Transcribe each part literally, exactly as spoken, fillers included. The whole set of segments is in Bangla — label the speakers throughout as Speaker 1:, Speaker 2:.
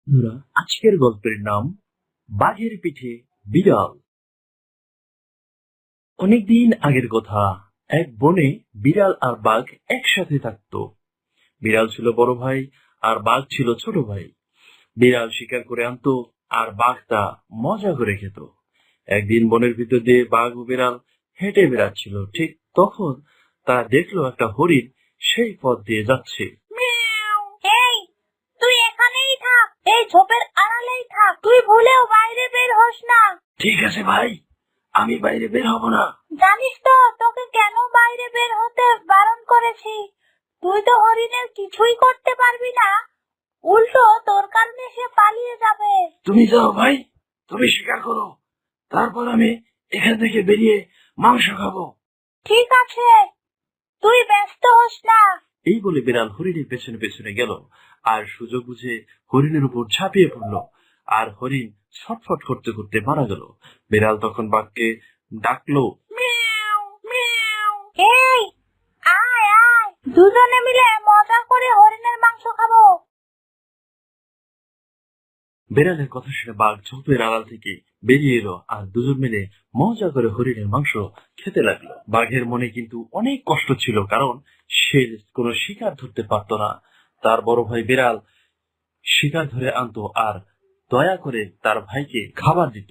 Speaker 1: বন্ধুরা, আজকের গল্পের নাম বাঘের পিঠে বিড়াল। অনেকদিন আগের কথা। এক বনে বিড়াল আর বাঘ একসাথে থাকতো। বিড়াল ছিল বড় ভাই আর বাঘ ছিল ছোট ভাই। বিড়াল শিকার করে আনতো আর বাঘ তা মজা করে খেত। একদিন বনের ভিতর দিয়ে বাঘ ও বিড়াল হেঁটে বেড়াচ্ছিল। ঠিক তখন তারা দেখলো একটা হরিণ সেই পথ দিয়ে যাচ্ছে।
Speaker 2: মিয়াও। এই, তুই এখানেই থাক, এই ঝোপের আড়ালেই থাক, তুই ভুলেও বাইরে বের হোস না।
Speaker 1: ঠিক আছে ভাই, আমি বাইরে বের হব না।
Speaker 2: জানিস তো তোকে কেন বাইরে বের হতে বারণ করেছি? তুই তো হরিণের কিছুই করতে পারবি না, উল্টো তোর কারণে সে পালিয়ে যাবে।
Speaker 1: তুমি যাও ভাই, তুমি শিকার করো, তারপর আমি এখান থেকে বেরিয়ে মাংস খাবো।
Speaker 2: ঠিক আছে, তুই ব্যস্ত হোস না।
Speaker 1: এই বলে বিড়াল হরিণের পেছনে পেছনে গেল আর সুযোগ বুঝে হরিণের উপর ঝাঁপিয়ে পড়লো। আর হরিণ ছটফট করতে করতে মারা গেল। বিড়াল তখন বাঘকে ডাকলো।
Speaker 2: মিয়াও, মিয়াও। এই, আয় আয়, দুজনে মিলে মজা করে হরিণের মাংস খাবো।
Speaker 1: বিড়ালের কথা শুনে বাঘ ঝোপের আড়াল থেকে বেরিয়ে এলো আর দুজন মিলে মজা করে হরিণের মাংস খেতে লাগলো। বাঘের মনে কিন্তু অনেক কষ্ট ছিল, কারণ সে কোনো শিকার ধরতে পারতো না। তার বড় ভাই বিড়াল শিকার ধরে আনতো আর দয়া করে তার ভাইকে খাবার দিত।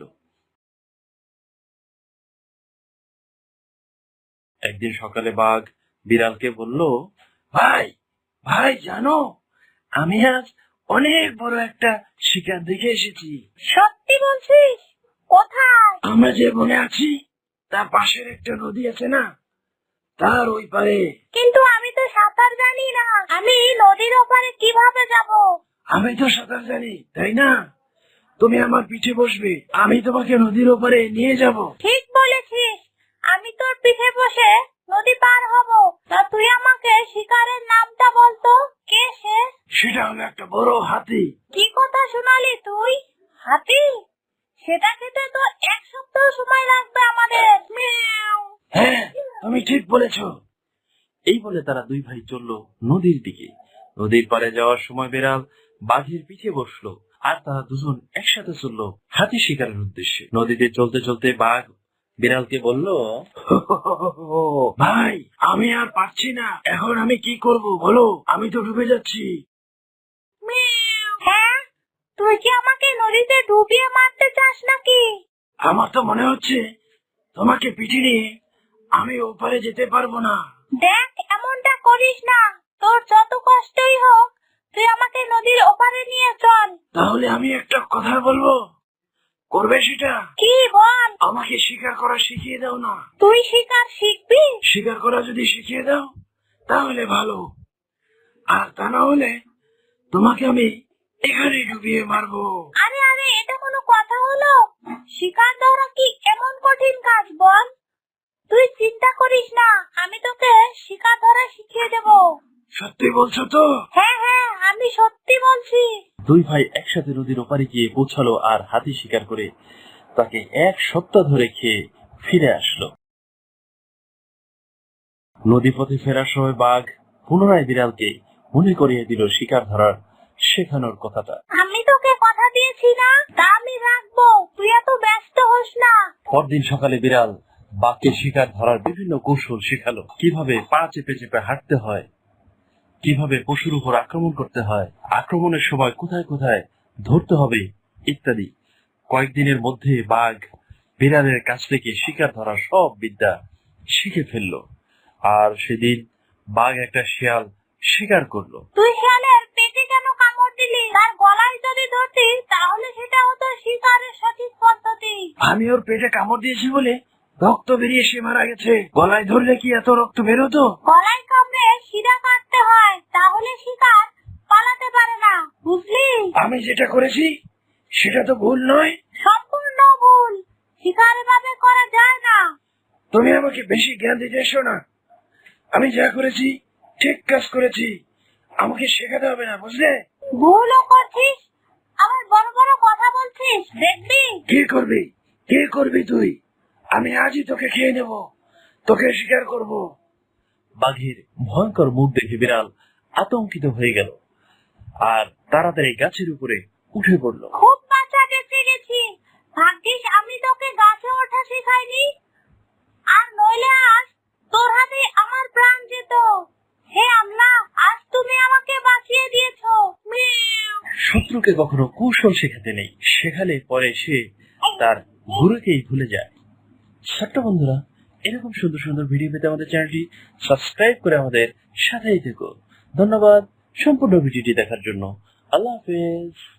Speaker 1: একদিন সকালে বাঘ বিড়ালকে বলল, ভাই ভাই জানো, আমি আজ অনেক বড় একটা শিকার দেখে এসেছি।
Speaker 2: সত্যি বলছিস? কোথায়?
Speaker 1: আমরা যে বনে আছি তার পাশের একটা নদী আছে না, তার ওই পারে।
Speaker 2: কিন্তু আমি তো সাঁতার জানি না, আমি নদীর ওপারে কিভাবে যাব?
Speaker 1: আমি তো সাঁতার জানি, তাই না? তুমি আমার পিঠে বসবে, আমি তোমাকে নদীর ওপারে নিয়ে যাব।
Speaker 2: ঠিক বলেছিস, আমি তোর পিঠে বসে নদী পার হব। তা তুই আমাকে শিকারের নামটা বলতো, কে সে?
Speaker 1: সেটা হলো একটা বড় হাতি।
Speaker 2: কি কথা শোনালি তুই? হাতি? সেটা খেতে তো এক সপ্তাহ সময় লাগবে আমাদের। মিয়াও।
Speaker 1: হ্যাঁ, তুমি ঠিক বলেছ। এই বলে তারা দুই ভাই চলল নদীর দিকে। নদীর পাড়ে যাওয়ার সময় বিড়াল বাঘের পিঠে বসলো আর তারা দুজন একসাথে চলল হাতি শিকারের উদ্দেশ্যে। নদীতে চলতে চলতে বাঘ বিড়ালকে বলল, ভাই আমি আর পারছি না, এখন আমি কি করব বলো, আমি তো ডুবে যাচ্ছি।
Speaker 2: মিয়াও। হ্যাঁ, তুই কি আমাকে নদীতে ডুবিয়ে মারতে চাস নাকি?
Speaker 1: আমার তো মনে হচ্ছে তোমাকে পিঠে নিয়ে আমি ওপারে যেতে পারবো না।
Speaker 2: দেখ, এমনটা করিস না, তোর যত কষ্টই হোক তুই আমাকে নদীর ওপারে নিয়ে চল।
Speaker 1: তাহলে আমি একটা কথা বলবো, করবে সেটা?
Speaker 2: কি বল?
Speaker 1: আমাকে শিকার করা শিখিয়ে দাও না।
Speaker 2: তুই শিকার শিখবি?
Speaker 1: শিকার করা যদি শিখিয়ে দাও তাহলে ভালো, আর তা না হলে তোমাকে আমি এখানে ডুবিয়ে মারবো।
Speaker 2: আরে আরে, এটা কোনো কথা হলো? শিকার ধরা কি এমন কঠিন কাজ বল? তুই চিন্তা করিস না, আমি তোকে শিকার ধরা শিখিয়ে দেব।
Speaker 1: সত্যি বলছো তো?
Speaker 2: হ্যাঁ হ্যাঁ, আমি সত্যি বলছি।
Speaker 1: দুই ভাই একসাথে নদীর ওপারে গিয়ে পৌঁছালো আর হাতি শিকার করে তাকে এক সপ্তাহ ধরে খেয়ে ফিরে আসলো। নদী পথে ফেরার সময় বাঘ পুনরায় বিড়ালকে মনে করিয়ে দিল শিকার ধরার শেখানোর কথাটা।
Speaker 2: আমি তোকে কথা দিয়েছি না, তা আমি রাখবো, তুই এত ব্যস্ত হোস না।
Speaker 1: পরদিন সকালে বিড়াল বাঘকে শিকার ধরার বিভিন্ন কৌশল শেখালো, কিভাবে পা চেপে চেপে হাঁটতে হয়, কিভাবে পশুর উপর আক্রমণ করতে হয়, আক্রমণের সময় কোথায় কোথায় ধরতে হবে ইত্যাদি। কয়েকদিনের মধ্যে বাঘ বিড়ালের কাছ থেকে শিকার ধরার সব বিদ্যা শিখে ফেললো। আর সেদিন বাঘ একটা শিয়াল শিকার করলো।
Speaker 2: তুই শিয়ালের পেটে কেন কামড় দিলি? তার গলায় যদি ধরতি তাহলে সেটা হতো শিকারের সঠিক পদ্ধতি।
Speaker 1: আমি ওর পেটে কামড় দিয়েছি বলে রক্ত বেরিয়ে সে মারা গেছে, গলায় ধরলে কি এত রক্ত বেরোতো?
Speaker 2: গলায় কামড়ে শিরা কাটতে হয়, তাহলে শিকার পালাতে পারে না, বুঝলি?
Speaker 1: আমি যেটা করেছি সেটা তো ভুল নয়।
Speaker 2: সম্পূর্ণ ভুল, শিকার এভাবে করা যায় না।
Speaker 1: তুমি আমাকে বেশি জ্ঞান দিতে এসো না, আমি যা করেছি ঠিক কাজ করেছি, আমাকে শেখাতে হবে না, বুঝলে?
Speaker 2: ভুলও করছিস, আবার বড় বড় কথা বলছিস, দেখবি?
Speaker 1: কি করবি, কি করবি তুই? আমি আজই তোকে খেয়ে নেব, তোকে শিকার করব। বাঘের ভয়ঙ্কর মুখ দেখে বিড়াল আতঙ্কিত হয়ে গেল আর তাড়াতাড়ি গাছের উপরে উঠে পড়লো।
Speaker 2: খুব বাঁচা বেঁচে গেছি, ভাগ্যিস আমি তোকে গাছে ওঠা শেখাইনি, আর নইলে আজ তোর হাতে আমার প্রাণ যেত। হে আল্লাহ, আজ তুমি আমাকে বাঁচিয়ে দিয়েছো। মিয়াও।
Speaker 1: শত্রুকে কখনো কৌশল শেখাতে নেই, শেখালে পরে সে তার গুরুকেই ভুলে যায়। ছোট্ট বন্ধুরা, এরকম সুন্দর সুন্দর ভিডিও পেতে আমাদের চ্যানেলটি সাবস্ক্রাইব করে আমাদের সাথেই থেকো। ধন্যবাদ সম্পূর্ণ ভিডিওটি দেখার জন্য। আল্লাহ হাফেজ।